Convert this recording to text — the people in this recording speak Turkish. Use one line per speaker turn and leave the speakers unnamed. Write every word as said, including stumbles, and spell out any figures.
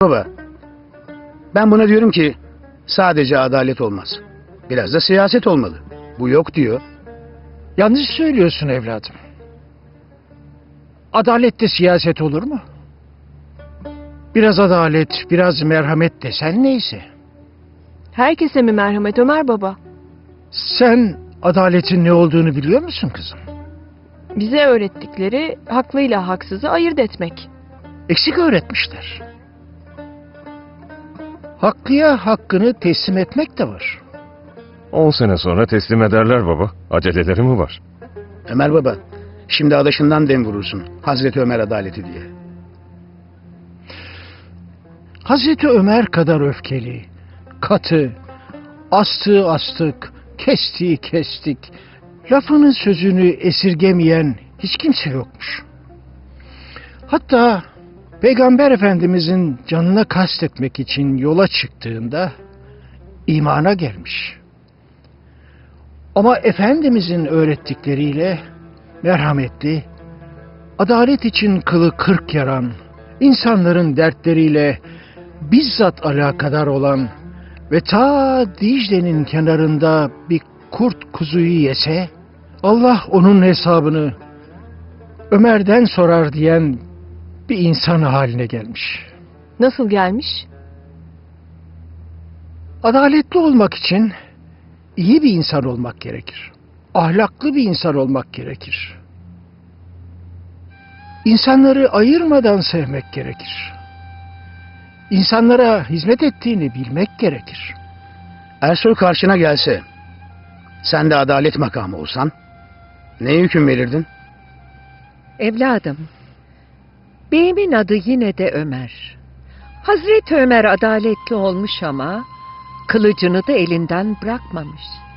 Baba, ben buna diyorum ki sadece adalet olmaz. Biraz da siyaset olmalı. Bu yok diyor.
Yanlış söylüyorsun evladım. Adalette siyaset olur mu? Biraz adalet, biraz merhamet desen neyse.
Herkese mi merhamet Ömer baba?
Sen adaletin ne olduğunu biliyor musun kızım?
Bize öğrettikleri haklıyla haksızı ayırt etmek.
Eksik öğretmişler. Haklıya hakkını teslim etmek de var.
On sene sonra teslim ederler baba. Aceleleri mi var?
Ömer baba, şimdi adaşından dem vurursun. Hazreti Ömer adaleti diye.
Hazreti Ömer kadar öfkeli, katı, astığı astık, kestiği kestik, lafının sözünü esirgemeyen hiç kimse yokmuş. Hatta Peygamber Efendimizin canına kastetmek için yola çıktığında imana gelmiş. Ama Efendimizin öğrettikleriyle merhametli, adalet için kılı kırk yaran, insanların dertleriyle bizzat alakadar olan ve ta Dicle'nin kenarında bir kurt kuzuyu yese, Allah onun hesabını Ömer'den sorar diyen bir insan haline gelmiş.
Nasıl gelmiş?
Adaletli olmak için iyi bir insan olmak gerekir. Ahlaklı bir insan olmak gerekir. İnsanları ayırmadan sevmek gerekir. İnsanlara hizmet ettiğini bilmek gerekir.
Ersoy karşına gelse, sen de adalet makamı olsan, neye hüküm verirdin?
Evladım, beyimin adı yine de Ömer. Hazreti Ömer adaletli olmuş ama kılıcını da elinden bırakmamış.